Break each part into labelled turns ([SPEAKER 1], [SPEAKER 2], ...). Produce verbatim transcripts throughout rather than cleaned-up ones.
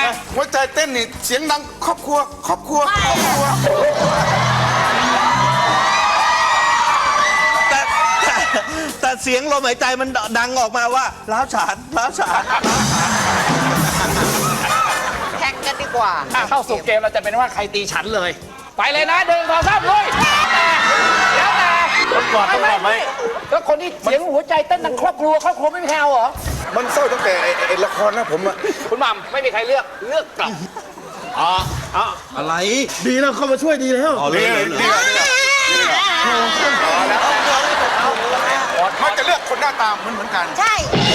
[SPEAKER 1] หัวใจเต้นนี่เสียงดังครอบครัวครอบครัวครอบครัว
[SPEAKER 2] แต่แต่แต่เสียงลมหายใจมันดังออกมาว่าล้าวฉานล้าวฉาน
[SPEAKER 3] แข่งกันดีกว่า
[SPEAKER 4] เข้าสู่เกมเราจะเป็นว่าใครตีฉันเลย ไปเลยนะเดินสองสามลุยแล้วแต่ต้องกอดต้องกอดไหมแล้วคนที่เสียงหัวใจเต้นดังครอบครัวครอบครัวไม่มีใครเอาเหรอ
[SPEAKER 1] มันเศร้าตั้งแต่ไอ้ละครนะผมอะ
[SPEAKER 4] คุณหม่ำไม่มีใครเลือกเลือกกลับอ๋ออ๋อ
[SPEAKER 2] อะไรดีแล้วเข้ามาช่วยดีแล้วอ๋อ
[SPEAKER 1] ดี
[SPEAKER 2] เลย
[SPEAKER 1] เลยดีเลยมันจะเลือกคนหน้าตาเหมือนเหมือนกัน
[SPEAKER 3] ใช่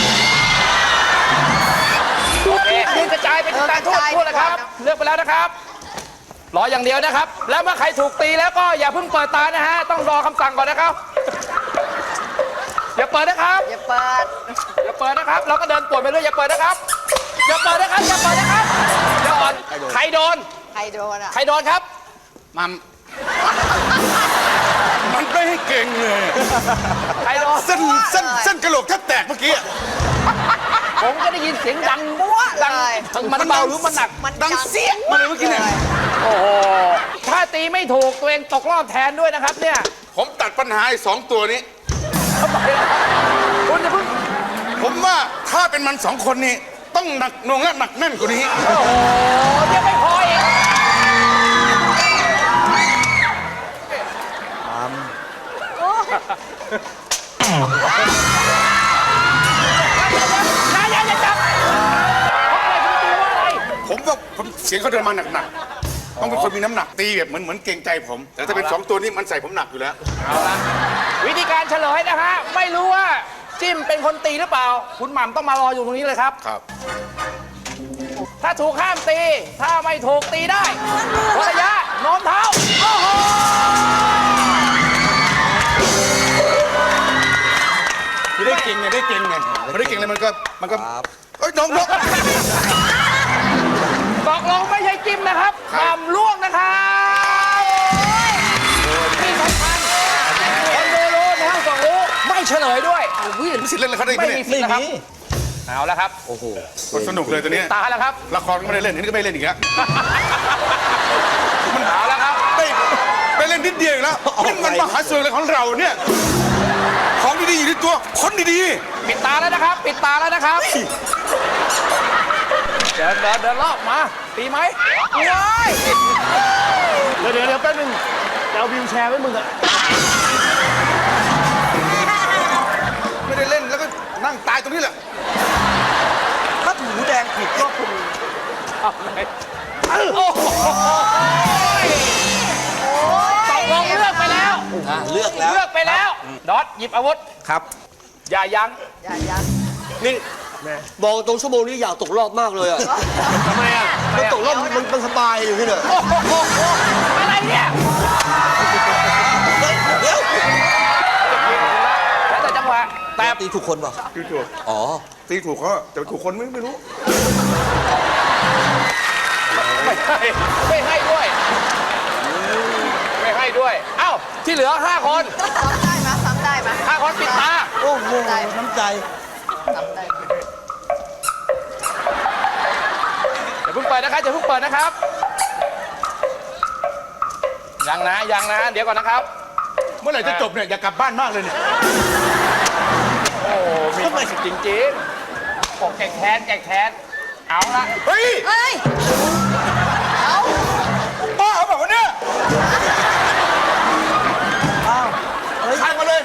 [SPEAKER 4] โอเคยืนกระจายไปกระจายทั่วทั่วเลยครับเลือกไปแล้วนะครับรออย่างเดียวนะครับ แล้วเมื่อใครถูกตีแล้วก็อย่าเพิ่งเปิดตานะฮะต้องรอคำสั่งก่อนนะครับอย่าเปิดนะครับ
[SPEAKER 3] อย่าเปิด
[SPEAKER 4] อย่าเปิดนะครับเราก็เดินปวดไปเรื่อยอย่าเปิดนะครับอย่าเปิดนะครับอย่าเปิดนะครับอย่าอ่อนใครโดน
[SPEAKER 3] ใครโดนอ่ะ
[SPEAKER 4] ใครโดนครับ
[SPEAKER 1] มัมมันไม่ให้เก่งเลย
[SPEAKER 4] ใครโดน
[SPEAKER 1] เส้นเส้นเส้นกระโหลกแทบแตกเมื่อกี้
[SPEAKER 4] ผมก็ได้ยินเสียงดังบัวดังมันเบาหรือมันหนัก
[SPEAKER 3] มัน
[SPEAKER 1] ดังเสียงมาเลยเมื่อกี้เนี่ย
[SPEAKER 4] โอ้โหถ้าตีไม่ถูกตัวเองตกรอบแทนด้วยนะครับเนี่ย
[SPEAKER 1] ผมตัดปัญหาไอ้สองตัวนี้
[SPEAKER 4] คุณจะเพิ่ง
[SPEAKER 1] ผมว่าถ้าเป็นมันสองคนนี้ต้องหนักหน่วงและหนักแน่นกว่านี้
[SPEAKER 4] โอ้โหยังไม่พออีกอย่าอย่าอย่าจับเพราะอะไรคุณตีว่าอะไร
[SPEAKER 1] ผมว่าผมเสียงเขาเดินมาหนักๆต้องเป็นคนมีน้ำหนักตีแบบเหมือนเหมือนเกรงใจผม แต่ถ้าเป็นสองตัวนี้มันใส่ผมหนักอยู่แล้ว
[SPEAKER 4] เอาละวิธีการเฉลยนะฮะไม่รู้ว่าจิ้มเป็นคนตีหรือเปล่า คุณหม่ำต้องมารออยู่ตรงนี้เลยครับ
[SPEAKER 1] ครับ
[SPEAKER 4] ถ้าถูกห้ามตี ถ้าไม่ถูกตีได้วัดระยะโน้มเท้าโอ้โห
[SPEAKER 1] ไม่ได้เก่งไงได้เก่งไงไม่ได้เก่งเลยมันก็มันก็เอ้ยน้องนก
[SPEAKER 4] ตกลงไม่ใช่จิ้มนะครับ
[SPEAKER 1] ครับ
[SPEAKER 4] หม่ำล่วงนะครับที่สำคัญคนดูรู้นะสองรู้ไม่เฉลยด้วย
[SPEAKER 1] อุ้ยไม่สิเล่นเลยเขาได้ไหม
[SPEAKER 4] ไม่มี
[SPEAKER 1] เนี่ย
[SPEAKER 4] สิทธิ์นะครับเอาละครับโอ้โห
[SPEAKER 1] มันสนุกเลยตัวเนี้ย
[SPEAKER 4] ตาแล้วครับ
[SPEAKER 1] ละครก็ไม่ได้เล่นอันนี้ก็ไม่เล่นอีกแล้ว
[SPEAKER 4] มันเอาแล้วครับ
[SPEAKER 1] ไม่ไปเล่นนิดเดียวอีกแล้วนี่มันมหาสนุกเลยของเราเนี่ยของดีๆอยู่ที่ตัวคนดี
[SPEAKER 4] ปิดตาแล้วนะครับ ปิดตาแล้วนะครับเดินเดินเดินรอบมาตีไหมว้าย
[SPEAKER 2] เดี๋ยวเดี๋ยวเดี๋ยวแป๊บนึงจะเอาวิวแชร์ไว้มึงอะ
[SPEAKER 1] ๆไม่ได้เล่นแล้วก็นั่งตายตรงนี้แหละ
[SPEAKER 2] ถ้าถูแดงผิดก็คุณ
[SPEAKER 4] โอ้โหตกลงเลือกไปแล้ว
[SPEAKER 2] เลือกแล้ว
[SPEAKER 4] เลือกไปแล้วดอทหยิบอาวุธ
[SPEAKER 2] ครับ
[SPEAKER 4] อย่ายั้ง
[SPEAKER 3] อย่ายัน
[SPEAKER 5] นี่บอกตรงชั่วโมงนี้อยากตกรอบมากเลยอะ
[SPEAKER 4] ทำไมอ่ะ
[SPEAKER 5] มันตกรอบมันมันสบายอยู่ที่เนี่ย
[SPEAKER 4] โอ้โหอะไรเนี่ย
[SPEAKER 5] เดี๋ยว
[SPEAKER 4] แล้วแต่จังหวะแต่
[SPEAKER 5] ตีถูกคนเปล่า
[SPEAKER 1] ตีถูก
[SPEAKER 5] อ๋อ
[SPEAKER 1] ตีถูกเขาแต่ถูกคนไม่ไม่รู้
[SPEAKER 4] ไม่ให้ไม่ให้ด้วยไม่ให้ด้วยเอ้าที่เหลือห้าคน
[SPEAKER 3] ซ้ำได้ไหมซ้ำได้ไหม
[SPEAKER 4] ห้าคนปิดตา
[SPEAKER 5] โอ้โหน้ำใจ
[SPEAKER 3] ซ้ำได้ไหม
[SPEAKER 4] อย่าเพิ่งเปิดนะครับอย่าเพิ่งเปิดนะครับยังนะยังนะเดี๋ยวก่อนนะครับ
[SPEAKER 1] เมื่อไหร่จะจบเนี่ยอยากกลับบ้านมากเลยเนี่ย
[SPEAKER 4] โอ้มีความสุขจริงๆบอกแก่แค้นแก่แค้นเอาละ
[SPEAKER 1] เฮ้ย
[SPEAKER 3] เฮ้ย เอา
[SPEAKER 1] บ้าเปล่าวะเนี่ย
[SPEAKER 5] อ้าว
[SPEAKER 1] ใครมาเลย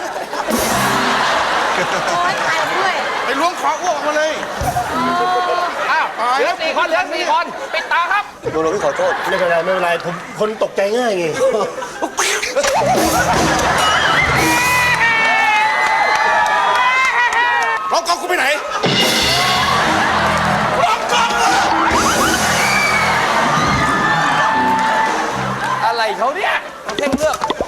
[SPEAKER 3] โอ้ยตายด้วย
[SPEAKER 1] ไปล้วงคออ้วกออกมาเลย
[SPEAKER 4] อ้าวเหลือสี่คนเหลือสี่คนปิดตาครับ
[SPEAKER 5] โดนเราพี่ขอโทษ
[SPEAKER 2] ไม่เป็นไรไม่เป็นไรผมคนตกใจง่ายไง
[SPEAKER 1] ร้องกองกูไปไหนร้องกองอะ
[SPEAKER 4] อะไรเขาเนี่ยเพ่งเลือก